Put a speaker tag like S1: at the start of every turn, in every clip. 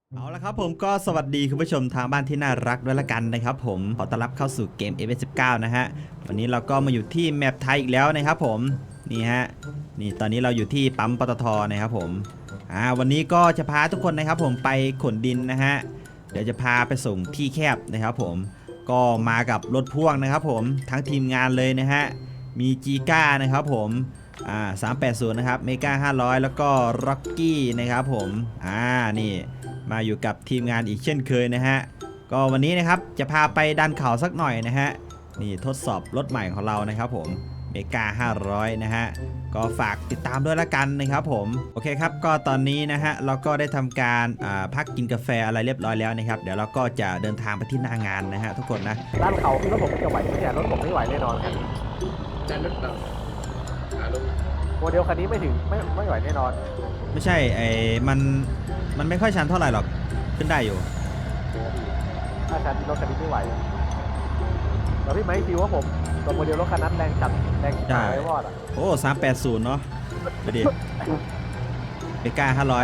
S1: เอาละครับผมก็สวัสดีคุณผู้ชมทางบ้านที่น่ารักด้วยละกันนะครับผมขอต้อนรับเข้าสู่เกม F19 นะฮะวันนี้เราก็มาอยู่ที่แมปไทยอีกแล้วนะครับผมนี่ฮะนี่ตอนนี้เราอยู่ที่ปั๊มปตทนะครับผมวันนี้ก็จะพาทุกคนนะครับผมไปขนดินนะฮะเดี๋ยวจะพาไปส่งที่แคบนะครับผมก็มากับรถพ่วงนะครับผมทั้งทีมงานเลยนะฮะมีจีก้านะครับผม380นะครับเมกา500แล้วก็ร็อกกี้นะครับผมนี่มาอยู่กับทีมงานอีกเช่นเคยนะฮะก็วันนี้นะครับจะพาไปดันเขาสักหน่อยนะฮะนี่ทดสอบรถใหม่ของเรานะครับผมเมกา500นะฮะก็ฝากติดตามด้วยละกันนะครับผมโอเคครับก็ตอนนี้นะฮะเราก็ได้ทำการพักกินกาแฟอะไรเรียบร้อยแล้วนะครับเดี๋ยวเราก็จะเดินทางไปที่หน้างานนะฮะทุกคนนะ
S2: ด้านเขาพี่รถผมจะไหวไหมเนี่ยรถผมไม่ไหวแน่นอนครับ
S3: ด้านรถเราลง
S2: โมเดลคันนี้ไม่ถึงไม่ไหวแน่นอน
S1: ไม่ใช่มันไม่ค่อยชันเท่าไหร่หรอกขึ้นได้อยู่
S2: ถ้าคันรถคันนี้ไม่ไหวแล้วพี่ไม้ฟิวว่าผมตัวโมเดลรถคันนั้นแรงจัดแรงจัดไว้วอดอ่ะ
S1: โอ้380เนาะไปดิเมกา500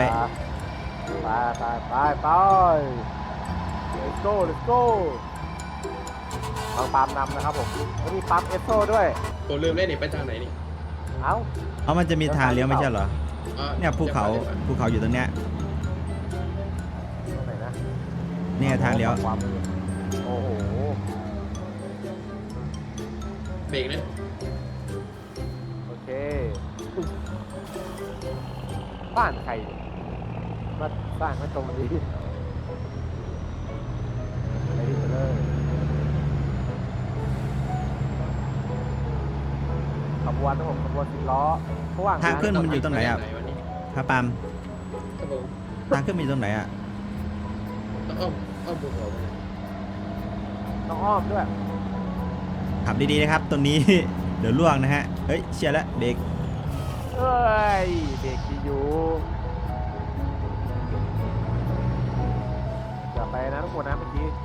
S2: ไป let's go บางปามนำนะครับผมแล้วมีปั๊มเอสโซด้วย
S3: ตัวลืมเล่นนี่ไปทางไหนนี่
S2: เอ้า
S1: มันจะมีทางเลี้ยวไม่ใช่เหรอเนี่ยภูเขาอยู่ตรงเนี้ย
S2: ตรงไหนนะ
S1: เนี่ยทางเลี้ยว
S2: โอ้โห
S3: เบรกนะ
S2: โอเคบ้านใครมาสร้างมาตรงนี้ไปดิเลยขบวนนะผมขบวน10 ล้อระหว่าง
S1: ทางขึ้นมันอยู่ตรงไหนอ่ะพาปาม
S3: ครับผม
S1: ทางขึ้นมันอยู่ตรงไหนอ่ะ
S3: ต้องอ้อมภูเขา
S2: ต้องอ้อมด้วย
S1: ขับดีๆนะครับตรงนี้ เดี๋ยวล่วงนะฮะเฮ้ยเชียร์แล้วเบรก
S2: เอ้ยเบรกดีอยู่อย่าไปนะทุกคนนะเมื่อกี้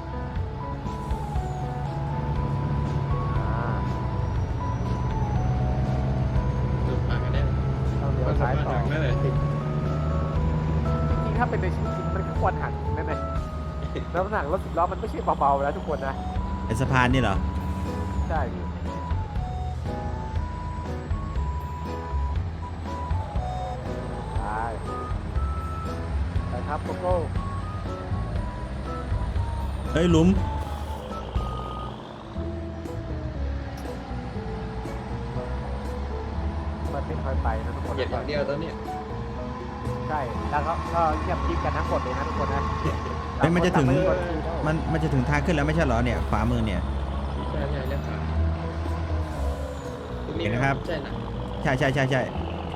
S3: ลงมากันแน่
S2: ต้องเลี้ยวซ้ายต่อ
S3: ทางนั่นแหละ
S2: จริงๆถ้าเป็นในชีวิตจริงมันก็ควรหักแน่ๆแล้วน้ำหนักรถ10 ล้อมันไม่ใช่เบาๆแล้วทุกคนนะ
S1: ไอสะพานนี่เหรอ
S2: ใช่พี่ไปครับโกโก้
S1: เฮ้ยหลุม
S2: มันไม่ค่อยไปนะทุกคน
S3: เหยียบอย่างเดียวตอนนี้
S2: ใช่แล้วก็เงียบกิ๊บกันทั้งหมดเลยนะทุกคนนะ
S1: เฮ้ยมันจะถึงมันจะถึงทางขึ้นแล้วไม่ใช่เหรอเนี่ยขวามือเนี่ย
S3: ใช่เลี้ยวขวาตรงนี้
S1: เห็นนะครับ
S3: ใช่นะ
S1: ใช่
S3: แรง
S2: วันนี้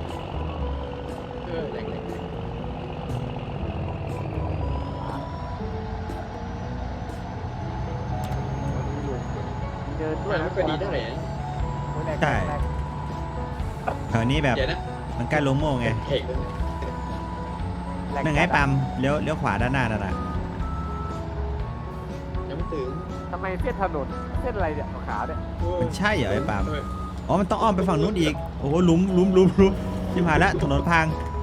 S2: อยู่เดินด้วย
S3: ไม่
S2: นะ
S3: ค่อยดีเท่าไหร่
S1: ใช่แถวนี้แบบ
S3: เดี๋ยวนะ
S1: มันใกล้ลงโม่งไง
S3: เข่งเลย
S1: นั่งไงปั๊มเลี้ยวขวาด้านหน้านั่นน่ะ
S3: ยังไม่ถึง
S2: ทำไมเส้นถนนเส้นอะไรเนี่ยขาวๆเนี่ย
S1: มันใช่เหรอไอ้ปั๊มอ๋อมันต้องอ้อมไปฝั่งนู้นอีกโอ้โหหลุมชิบหายแล้วถนนพัง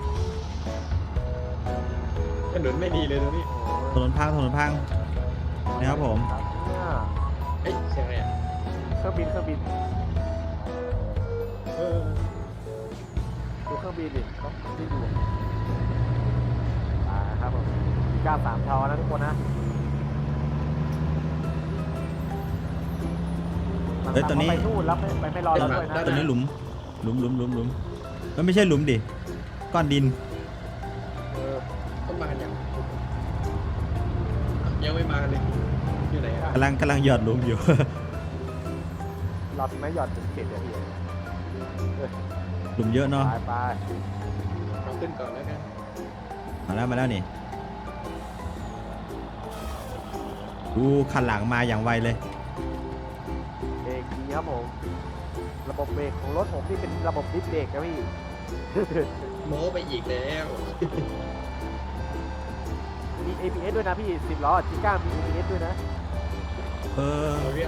S3: ถนนไม่ดีเลยตรงนี้
S1: ถนนพังนะครับผม
S2: เนี่ย
S3: เฮ้ยเสียงอะไรอ่ะ
S2: เครื่องบิน
S3: เออ
S2: ดูเครื่องบินดิต้องที่ดูครับผม93 ทอนะทุกคนนะ
S1: เฮ้ยตอนนี้
S2: ไปนู่นแล้วไม่รอเราด้วยนะ
S1: ตอนนี้หลุมมันไม่ใช่หลุมดิก้อนดิน
S2: เออ
S3: ต้องมากันยังไม่มากันเลยอยู่ไหนอ่ะ
S1: กำลังหยอดหลุมอยู่
S2: รอถึงไม่หยอดถึงเขตเดียวพี่
S1: หลุมเยอะเนาะ
S2: ไป
S3: เอาขึ้นก่อนแล้วกัน
S1: มาแล้วนี่ดูคันหลังมาอย่างไวเลย
S2: เบรกดีครับผมระบบเบรกของรถผมที่เป็นระบบดิสเบรกนะพี่
S3: โม้ไปอีกแล้ว
S2: มี ABS ด้วยนะพี่10 ล้อจิก้ามี ABS ด้วยนะ
S1: เออ
S3: เอาเรื่อง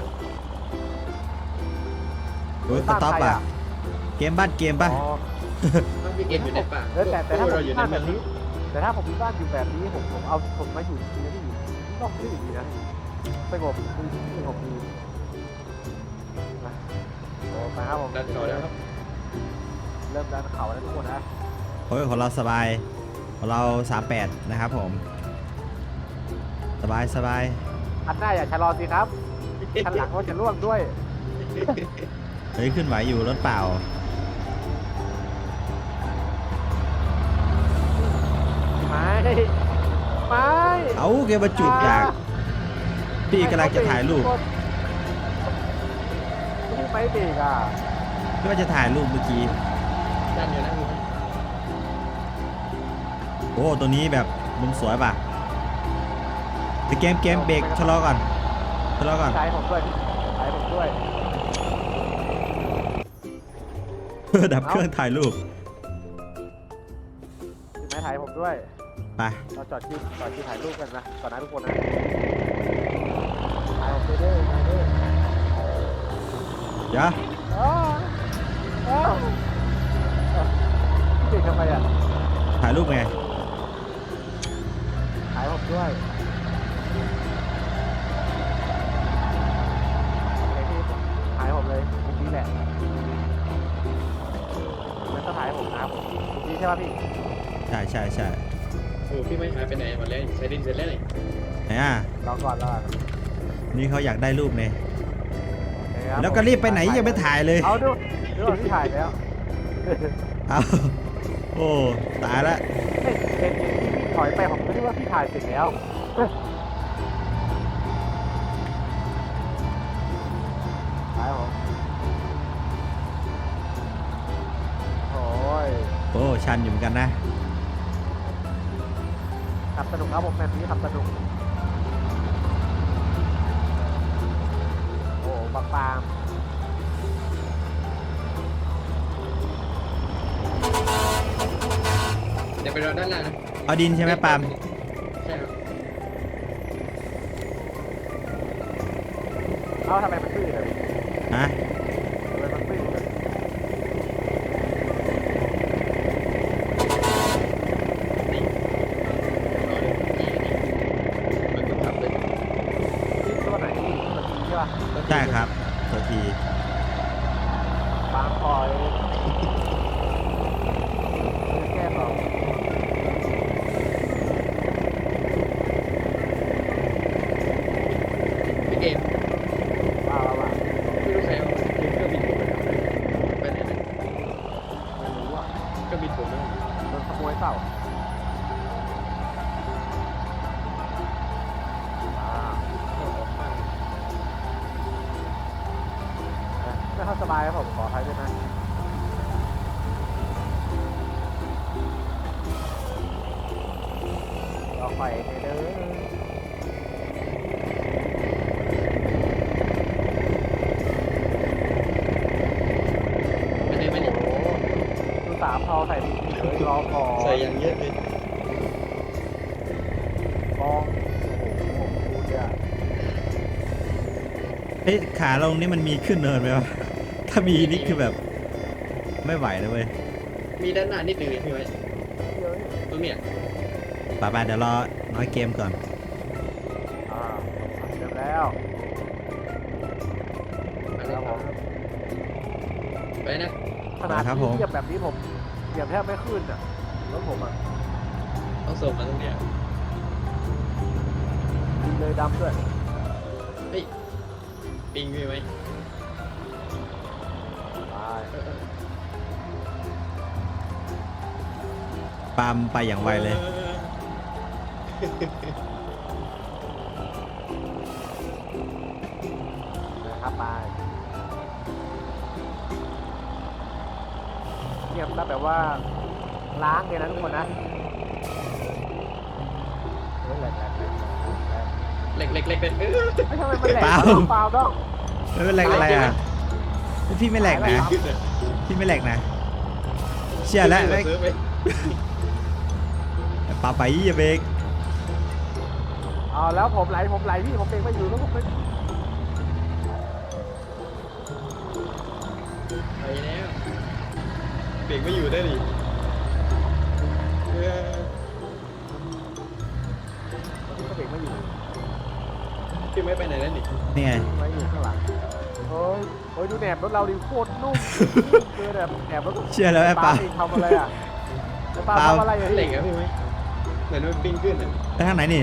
S1: โอ้ยสต็อปอ่ะเกมป่ะ
S2: อ๋อ
S3: ต้องพี่เกมอยู่ในป่า
S2: แต่ถ้าผม
S3: เราอยู่ใน
S2: พลาด
S3: เมื
S2: แบ
S3: อง
S2: บนี้แต่ถ้าผมมีบ้านอยู่แบบนี้ผมมาอยู่ที่นี่ที่อยู่นอกที่ดีนะสงบดีสงบดีนะโอ้มาครับผม
S3: ดันต่อแล้วครับ
S2: เริ่มดันเขาแล้วทุกคนนะ
S1: โอ้ยของเราสบายของเรา38นะครับผมสบายสบาย
S2: อันหน้าอย่าชะลอสิครับคันหลังก็จะร่วงด้วย
S1: เฮ้ยขึ้นไหวอยู่รถเปล่า
S2: ไม่ไม่
S1: เอาแกมาจุดจากพี่กำลังจะถ่ายรูป
S2: ไม่เบรกอ่ะ
S1: ก็ว่าจะถ่ายรูปเมื่อกี้
S3: ดันอยู่นะคุณ
S1: โอ้ตัวนี้แบบมุมสวยป่ะแต่เกมเบรกชะลอก่อนชะลอก่อน
S2: ใช้ผมด้วยใช้ผมด้วย
S1: เพื่อดับเครื่องถ่ายรูป
S2: ถึงแม้ถ่ายผมด้วย
S1: ไป
S2: เราจอดที่ถ่ายรูปกันนะก่อนนะทุกคนนะถ่ายผมด้วยถ่ายด้วย
S1: เดี๋ยว
S2: อ้าวอ้าวพี่เด็กทำไมอ่ะ
S1: ถ่ายรูปไง
S2: ถ่ายผมด้วยโอเคพี่ถ่ายผมเลยมุมนี้แหละแล้วก็ถ่ายผมนะมุมนี้ใช่ป่ะพี่
S1: ใช่ใช่ใช่
S3: โอ้พี่ไม่หายไปไหนหมดแล้วใช้ดินเสร็จแล้วนี่
S1: ไหนอ่ะ
S2: รอก่อนรอก่อน
S1: นี่เขาอยากได้รูปเนี่ย
S2: โอเคครับ
S1: แล้วก็รีบไปไหนยังไม่ถ่ายเลย
S2: เอาดูที่ถ่ายแล้ว
S1: เอาโอ้ตายละ
S2: เห็นที่พี่ถอยไปผมก็นึกว่าพี่ถ่ายเสร็จแล้วถ่ายผมโอ้ย
S1: โอ้ชันอยู่เหมือนกันนะ
S2: ขับสนุกครับผมแบบนี้ขับสนุกโอ้บางปาม
S3: เดี๋ยวไปรอด้านล่างนะ
S1: เอาดินใช่ไหมปาล์ม
S3: ใช่ครับ
S2: เอ้าทำไมมันตื้นเลย
S1: ฮะ
S2: ทำไมมันตื้นเลย
S3: นี่รอดูมันต้องขับเลย
S2: นี่ตัวไหนนี่ตัวนี้ใช่ป่ะ
S1: ใช่ครับตัวที
S2: บางคอยแก้ต่อ
S3: พี่เกม
S2: ว่า
S3: ไม่รู้ใครเอาเครื่องบินผมไปทำอะไรไปไหนนะ
S2: ไม่รู้อ่ะ
S3: เครื่องบินผมนะ
S2: โดนขโมยเปล่าอ่า
S3: เอาออกข้าง
S2: ไม่ค่อยสบายครับผมขออภัยด้วยนะรอไฟเด้อ
S3: ไปเลยไปเลย
S2: โอ้โหดูสามพอใส่ดีเลยรอพอ
S3: ใส่อย่างเยอะเลย
S2: มองโอ้โหดูเนี่ย
S1: เฮ้ยขาลงนี่มันมีขึ้นเนินไหมวะถ้ามีนี่คือแบบไม่ไหวเลยเว้ย
S3: มีด้านหน้านิดนึงเลยพี่ไว้
S2: เยอะ
S3: ตรงเนี้ย
S1: ป่าเดี๋ยวรอน้อยเกมก่อน
S2: อ่าเริ่มแล้ว
S3: ไปแล้วผมไปนะ
S2: ขนาดที่เหยียบแบบนี้ผมเหยียบแทบไม่ขึ้นอ่ะรถผมอ่ะ
S3: ต้องส่งมาตรงเนี้ย
S2: ดินเลยดำด้วย
S3: เฮ้ยปิงพี่ไว้
S2: ไป
S1: ปาล์มไปอย่างไวเลย
S2: นะครับไปเงียบแล้วแบบว่าล้างเลยนะทุกคนนะเฮ้ยแหลก
S3: เล็กเล็กเล็กเป็น
S2: ไม่ทำไมมันแหลก
S1: เปล่า
S2: เปล่าดอก
S1: ไม่เป็นไรอะไรอ่ะพี่ไม่แหลกนะ พี่ไม่แหลกนะ เชื่อแล้ว
S3: ซื้อไป
S1: ป่าไปอย่าเบรก
S2: เอาแล้วผมไหลพี่ผมเองไม่อยู่แล้วผมไม่
S3: ไปแล้วเบรกไม่อยู่ได้ดิ
S2: ไม่อยู่
S3: พี่ไม่ไปไหนแล้วนี่
S1: นี่ไง
S2: ไม่อยู่ข้างหลังเฮ้ยดูแหนบรถเราดิโคตรนุ่มเจอแหนบรถ
S1: เชื่อแล้วไอ้ปา
S2: เองทำอะไรอ่ะไอ้ปา
S1: เปล่า
S2: ทำอะไรอ่ะ
S3: เหล็กอะพี่ไหมเหมือนมันปิ้งขึ้นอะ
S1: ไปทางไหนนี่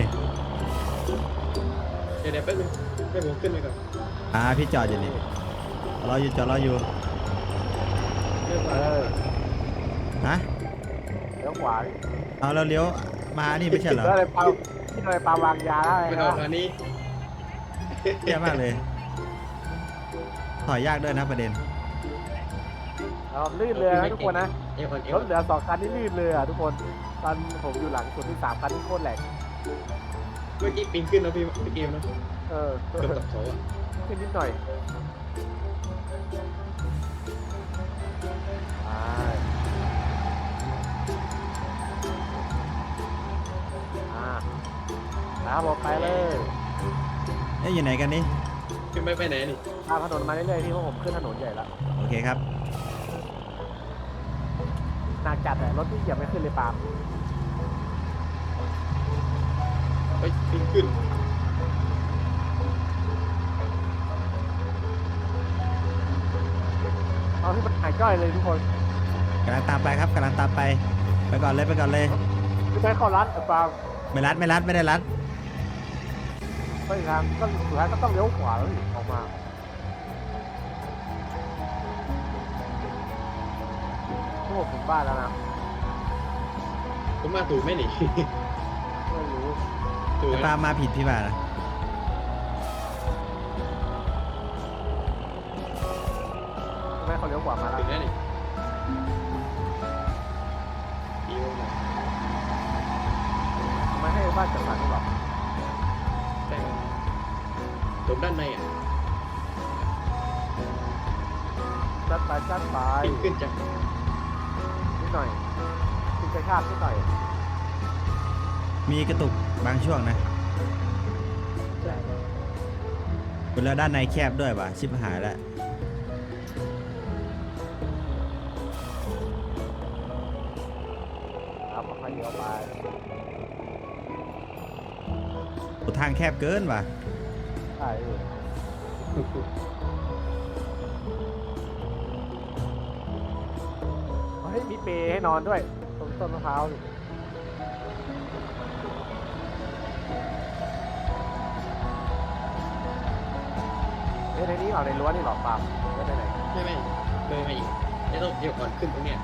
S3: เดี๋ยวแป๊บนึงให้ผมขึ้นไปก่อน
S1: พี่จอดอยู่นี่รออยู่จอดรออยู่
S3: เรื่อง
S2: เอ
S3: มา
S2: อ
S1: ฮะ
S2: เลี้ยวขวาดิ
S1: เอาเราเลี้ยวมานี่ไม่ใช่เหรอ
S2: แล้วอะไรปาที่อะไรปาวางยาได้
S3: ไม่
S2: ค
S3: เอา
S2: รับ
S3: ทางนี้
S1: เยี่ยมากเลยถอยยากด้วยนะประเด็น
S2: ลื่นเลยนะทุกคนนะ
S3: เอวอ่อนเอ
S2: ร
S3: ว
S2: ถเหลือ2 คันนี่ลื่นเลยอ่ะทุกคนตอนผมอยู่หลังสุดที่3 คันที่โคตรแหลก
S3: เมื่อกี้ปิ้งขึ้นแล้วพี่เกมนะ
S2: เออ
S3: เกือบตกเขาอะ
S2: ขึ้นนิดหน่อยครับผมไปเลย
S1: อยู่ไหนกันนี่
S3: พี่ไม่ไปไหนนี่
S2: ตามถนนมาเรื่อยๆที่พวกผมขึ้นถนนใหญ่แล้ว
S1: โอเคครับ
S2: หนักจัดแต่รถที่เหยียบไม่ขึ้นเลยปาล์ม
S3: ไปปิ้งขึ้น
S2: เอาที่มันหายจ้อยเลยทุกคน
S1: กำลังตามไปครับกำลังตามไปไปก่อนเลยไปก่อนเลย
S2: ไม่ใช่เข้ารัดปาล์ม
S1: ไม่รัดไม่ได้รัด
S2: ไปทางก็สุดท้ายก็ต้องเลี้ยวขวาแล้วออกมาพวกผมถึงบ้านแล้วนะ
S3: ผมมาถูกไหมนี่
S2: ไม่รู้
S3: ถูก
S1: แต่
S3: ไหม
S1: ปามาผิดพี่บ่านะ
S2: ทำไมเขาเลี้ยวขวามาแล้ว
S3: ถึงแล้วนี่ดีมาก
S2: ทำไมให้บ้านจัดสรรหรอ
S3: ใช่ครับตรงด้านในอ่ะ
S2: จัดไป
S3: ปิ้งขึ้นจาก
S2: นิดหน่อยขึ้นกระชากนิดหน่อย
S1: มีกระตุกบางช่วงนะแล้วด้านในแคบด้วยว่ะชิบหายแล้ว
S2: ครับค่อยเลี้ยวไป
S1: ทางแคบเกินว่ะ
S2: ใช่เฮ้ยมีเปรย์ให้นอนด้วยตรงต้นมะพร้าวนี่เฮ้ยในนี้เหรอในรั้วนี่เหรอปาล์มไม่ได้ไหน
S3: ไม่เลยมาอีกไม่ต้องเอวอ่อนขึ้นตรงเนี้ย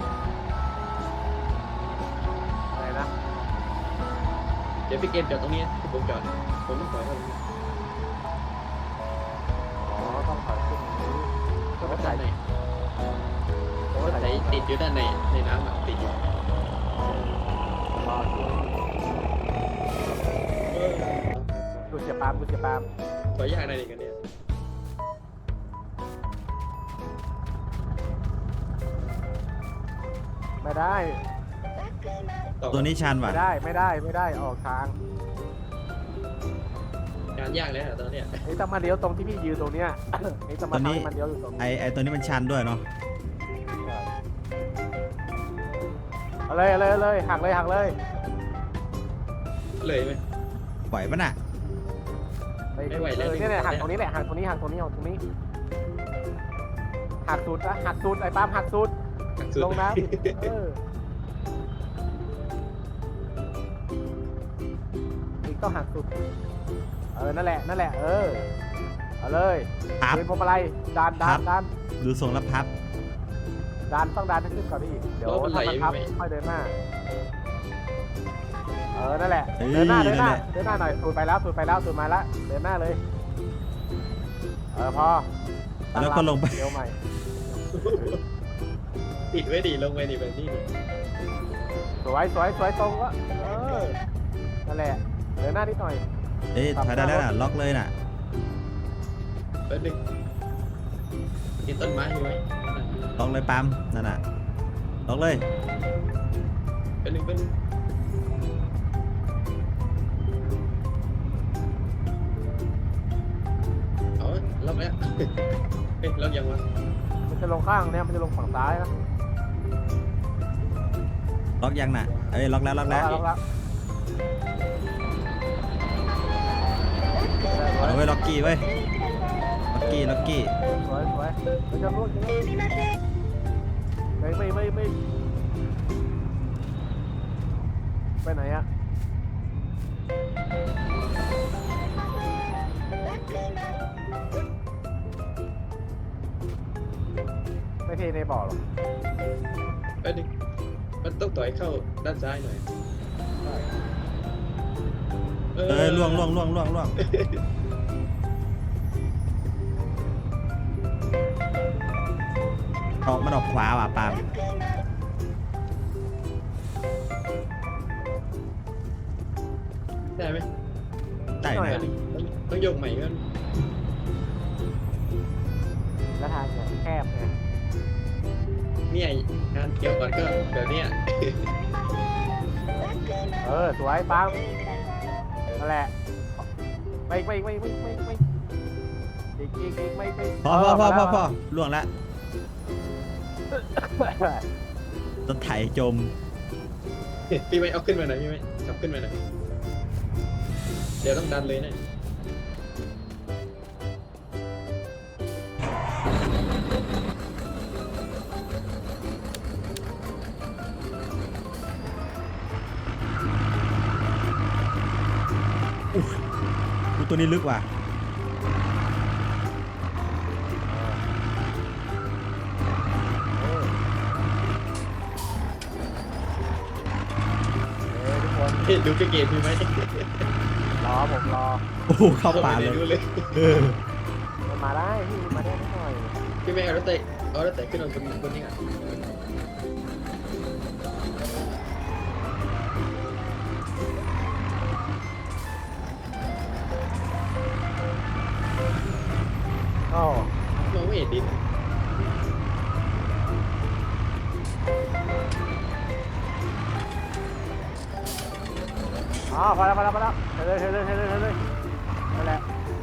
S2: อะไรนะ
S3: เดี๋ยวพี่เกมจอดตรงนี้ที่ผมจอดผมต้องถอยเข้าตรงนี้
S2: อ๋อต้องถอยขึ้นนี้ก็
S3: ร
S2: ไม่
S3: ถ
S2: ใช่
S3: ด้านใน
S2: ก็
S3: ร
S2: ไม่
S3: ถ
S2: ใช่
S3: ไหนติดอยู่ด้านในในน้ำอ่ะติดอยู่
S2: รออยู่ดูเสียปาล์ม
S3: ถอยยากอะไรกันเนี่ย
S2: ไม่ได้
S1: ตัวนี้ชันว่ะ
S2: ไม่ได้ออกทาง
S3: งานยากเลยอ่ะตอนเนี้ย
S2: นี่ต้องมาเลี้ยวตรงที่พี่ยืนตรงเนี้ย นี่ต้องมาทำให้มันเลี้ยวอยู่ตรงนี้
S1: ไอตัวนี้มันชันด้วยเนาะ
S2: เอาเลยหักเลย
S3: เลยไหม
S1: ปล่อยปะน่ะ
S3: ไม่ไหวแล้ว
S2: เนี่ยหักตรงนี้แหละหักตรงนี้หักสุดนะหักสุดไอ้ปาล์มหักสุด
S3: สุด
S2: ลงน้ำอีกต้องหักสุดนั่นแหละเอาเลย
S1: พับ
S2: เดินพวงมาลัยดัน
S1: ดูทรงแล้วพับ
S2: ต้องดันให้ขึ้นก่อนดิเดี๋ยวถ้ามันพับค่อยเดินหน้านั่นแหละเดินหน้าหน่อยสูดไปแล้วสูดมาแล้วเดินหน้าเลยพอ
S1: แล้วก็ลงไป
S2: เดี๋ยวใหม่
S3: ติดไว้ดีลงไว้ดีแบบนี้ดิ
S2: สวยตรงวะนั่นแหละเดินหน้านิดหน่อย
S1: เอ้ยถอยได้แล้วน่ะล็อกเลยน่ะ
S3: แป๊บนึงกินต้นไม้อยู่ไหม
S1: ล็อกเลยปั๊มนั่นน่ะล็อกเลย
S3: แป๊บนึงเอาล็อกแล้วเฮ้ยล็อกยังวะ
S2: มันจะลงข้างเนี่ยมันจะลงฝั่งซ้ายนะ
S1: ล็อกยังน่ะเอ้ยล็อกแล้ว
S2: ล็อกแล้ว
S1: ล็อกกี้เว้ยล็อกกี้ล็อกกี้
S2: สวยสวยเราจะลวกยังไงไม่ไปไหนอะไม่เทในบ่อหรอก
S3: แป๊บนึงมันต้องต่อยเข้าด้านซ้ายหน่อย
S1: ล่วงออกมันออกขวาว่ะปาล์ม
S3: ได้ไหม
S1: ได้
S3: แป๊
S1: นะ
S3: บนึงต้องยกใหม่กัน
S2: แล้วทางเนี่ยแคบไง
S3: เนี่ยงานเกี่ยวก่อนก็แบบเนี้ย
S2: สวยปังนั่นแหละไม่อีกไม่
S1: พอล่วงละรถไถจม
S3: พี่ไม่เอาขึ้นมาหน่อยพี่ไม่จับขึ้นมาหน่อยเดี๋ยวต้องดันเลยนะ
S1: ดูตัวนี้ลึกว่ะ
S2: ทุกคน
S3: ดูเกมพี่ไหม
S2: ผมรอ
S1: โอ้โหเข้าป่าเลย
S3: ดูเลย
S2: มันมาได้พี่มาได้นิดหน่อย
S3: พี่ไม่เอารถเตะขึ้นมาบนนี้อ่ะ
S2: อ๋อ
S3: มองไม่เห็นดิน
S2: พอแล้วเทเลยนั่นแหละ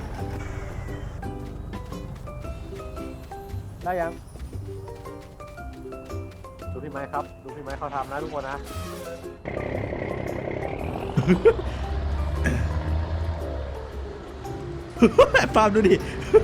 S2: ได้ยังดูพี่ไม้ครับดูพี่ไม้เขาทำนะทุกคนนะ
S1: ปาล์มดูดิ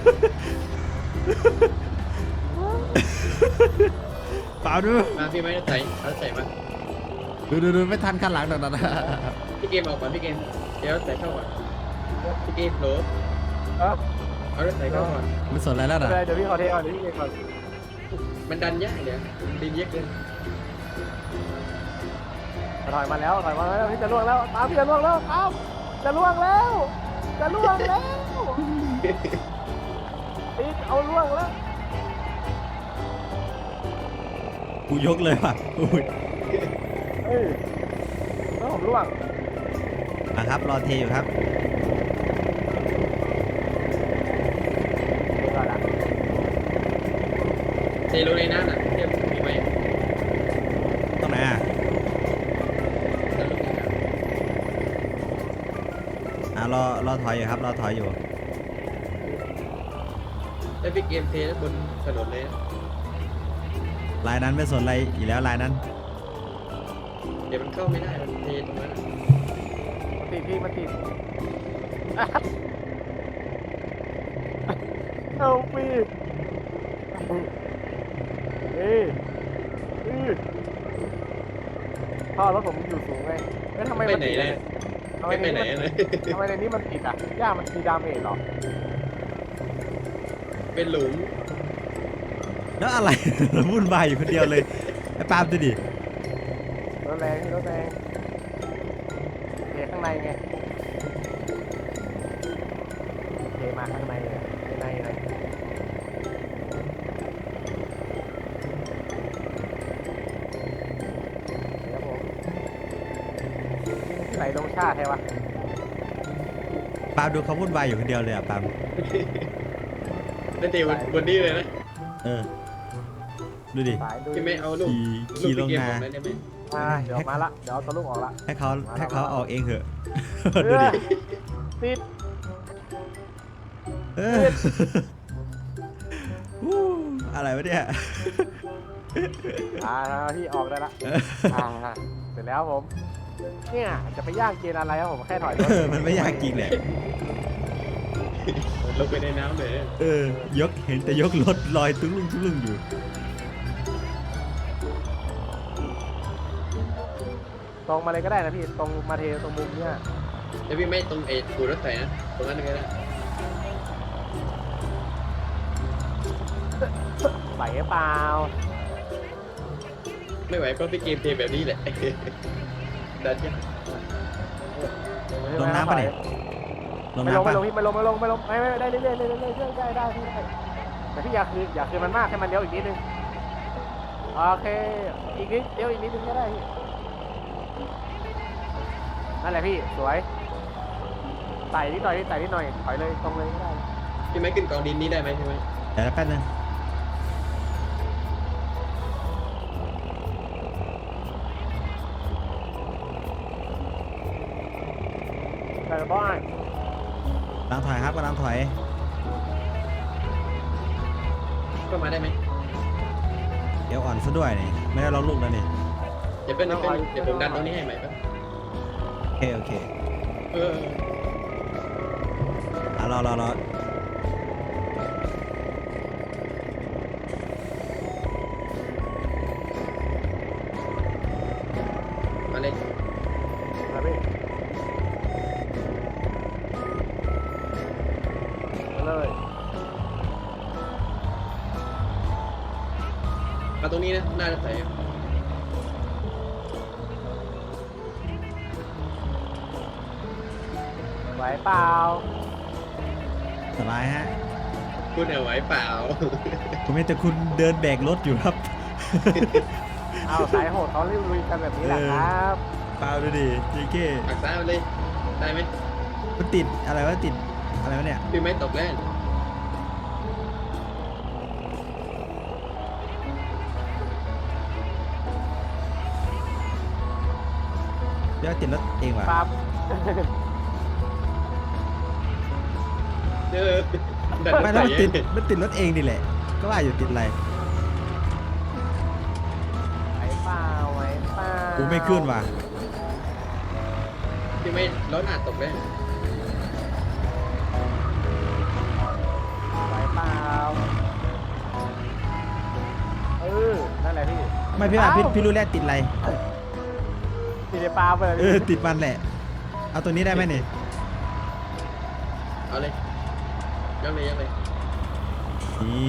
S1: ปาล์มดู
S3: มาพี่ไม่ได้ใส่เอาใส่มา
S1: ดูไม่ทันขั้นหลังหรอกนะ
S3: พี่เกมออกก่อนพี่เกมเดี๋ยวใส่เข้าก่อนพี่เกมโหล
S2: เออ
S3: เอารถใส่เข้าก่อน
S1: ไม่สนอะไรแล้ว
S2: ไม่
S1: นะ
S2: เป็นไรเดี๋ยวพี่ขอเทก่อนเดี๋ยวพี่เทก่อน
S3: มันดันยากเดี๋ยวดินเยอะเกิน
S2: ถอยมาแล้วพี่จะล่วงแล้วตามพี่จะล่วงแล้วตามจะล่วงแล้วติดเอาล่วงแล้ว
S1: กูยกเลยว่ะอุ้ย
S2: แล้วผมล่วง
S1: มาครับรอเทอยู่ครับ
S2: ก่อนละ
S3: เทลงในน้ำน่ะเทียบมีไหม
S1: ตรงไหนอ่ะ
S3: แล้วลงในน้ำ
S1: รอถอยอยู่ครับรอถอยอยู่
S3: แล้วพี่เกมเทบนถนนเลย
S1: ลายนั้นไม่สนอะไรอีกแล้วลายนั้น
S3: เดี๋ยวมันเข้าไม่ได้มันเทตรงนั้น
S2: มันติดเอาปีท่อรถผมอยู่สูงไงทำไม
S3: ไป
S2: มัน
S3: ไหน
S2: ติด
S3: เลยไม่ไปไหนเลย
S2: ทำไมในนี้มันติดอ่ะย่ามันมีดาเมจหรอ
S3: เป็นหลุม
S1: แล้วอะไร วุ่นวายอยู่คนเดียวเลยไอ้ปาล์มดูดิ
S2: รถแรงเทข้างในไงเทมาข้างในในครับผมไหลลงชาติใช่ปะ
S1: ปาล์มดูเขาวุ่นวายอยู่คนเดียวเลยอ่ะปาล์ม
S3: แล้วเทบนนี้เลยนะ
S1: ดูดิ
S2: สายดู
S3: พี่ไม่เอาลูก
S1: ขี่ลง
S3: พี่เกม
S1: นา
S3: ออกได้ไหม
S2: เดี๋ยวมาละเดี๋ยวเอาตัวลูกออกละ
S1: ให้เขาออกเองเถอะ
S2: เอ
S1: ดู
S2: อ
S1: ดิ
S2: ติด
S1: เออวู้อะไรวะเนี่ย
S2: ที่ออกได้ละเสร็จแล้วผมเนี่ยจะไปย่างเกณฑ์อะไรครับผมแค่ถอยรถ
S1: มันไม่ยากจริงแหละ
S3: ลงไปในน้ำเลย
S1: ยกเห็นแต่ยกรถลอยตุ้งลุงอยู่
S2: ตรงมาเลยก็ได้นะพี่ตรงมาเทตรงมุมเนี่ย
S3: แล้วพี่ไม่ตรงปูรถไฟนะตรงนั้นก็ได้
S2: ไหวหรือเปล่า
S3: ไม่ไหวเพราะพี่เกมเทแบบนี้แหละดันยัง
S1: ลงน้ำปะเนี่ยลง
S2: ไม่ลง
S1: น้ำปะ
S2: พี่ไม่ลงไม่ได้เรื่อยๆได้พี่ได้แต่พี่อยากคืนมันมากให้มันเลี้ยวอีกนิดนึงโอเคอีกนิดเลี้ยวอีกนิดนึงก็ได้พี่นั่นแหละพี่สวยไต่นิดหน่อยถอยเลยตรงเลยก็ได้
S3: พี่ไม่ขึ้นกองดินนี้ได้ไหมใช่ไหม
S1: เดี๋ยวแป๊บนึง
S2: แต่บ้าน
S1: กำลังถอยครับกำลังถอย
S3: ก็มาได้ไหม
S1: เดี๋ยวอ่อนซะด้วยนี่ไม่ได้ล็อกลูกแล้วนี่
S3: เดี๋ยวผมดันตรงนี้ให้ใหม่ครับ
S1: โอเค
S3: เออ
S1: รอ
S3: มาเลย
S2: มาพี่มาเลย
S3: มาตรงนี้นะน่าจะใส่
S2: ไหวเปล่า
S1: สบายฮะ
S3: คุณเอาไหวเปล่า
S1: ผมเห็นแต่คุณเดินแบกรถอยู่ครับ
S2: เอาสายโหดเขาลุยกันแบบนี้แหละครับ
S1: เปล่าดูดิจีเก้
S3: ปักซ้ายมาเลยได้ไหม
S1: มันติดอะไรวะติดอะไรวะเนี่ย
S3: พี่ไม่ตกแล้ว
S1: เดี๋ยวติดรถเองว่ะ
S2: ปั๊บ
S3: เออดัน
S1: ไม่แล้วมันติดรถเองนี่แหละ ก็ว่าอยู่ติดอะไร
S2: ไหวเปล่า
S1: กูไม่ขึ้นว่ะ
S3: พี่ไม่รถอาจตกแล้ว
S2: ไหวเปล่านั่นแหละพี่
S1: ไม่พี่ว่าพี่รู้แล้วติดอะไร
S2: ติดในปลาไปเลย
S1: ติดมันแหละ เอาตัวนี้ได้ไหมเนี่ย
S3: เอาเลยยังเลย
S1: นี่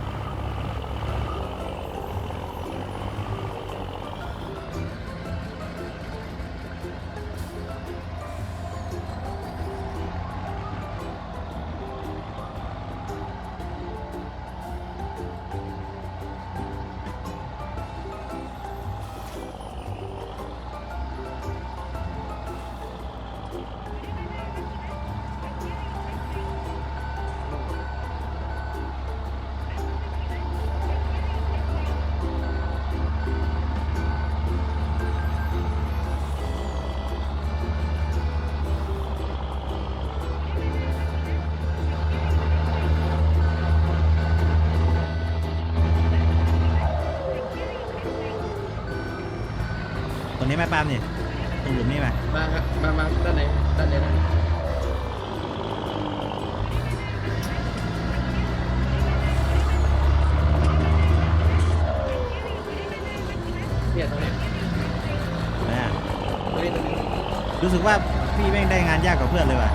S1: ตรงนี้ไหมปาล์มนี่ตรงหลุมนี่ไหม
S3: มาครับมาด้านไหนด้านไหนนะเนี่ยตรงนี้
S1: เนี่ย
S3: ตรงนี้
S1: รู้สึกว่าพี่แม่งได้งานยากกว่าเพื่อนเลยว่ะ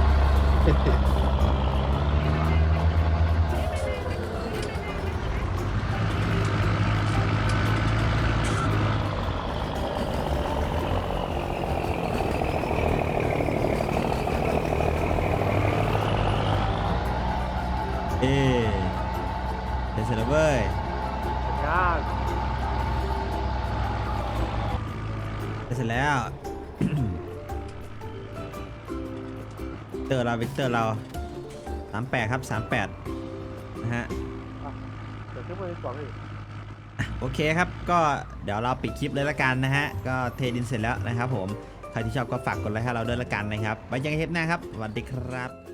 S1: เสร็จแล้วเว้ย
S2: งาน
S1: เสร็จแล้ว วิกเตอร์เรา38ครับ38นะฮะ
S2: เดี๋ยวขึ้นมาดีกว่าพี่
S1: โอเคครับก็เดี๋ยวเราปิดคลิปเลยละกันนะฮะก็เทดินเสร็จแล้วนะครับผมใครที่ชอบก็ฝากกดไลค์ให้เราด้วยละกันนะครับไว้เจอกันคลิปหน้าครับสวัสดีครับ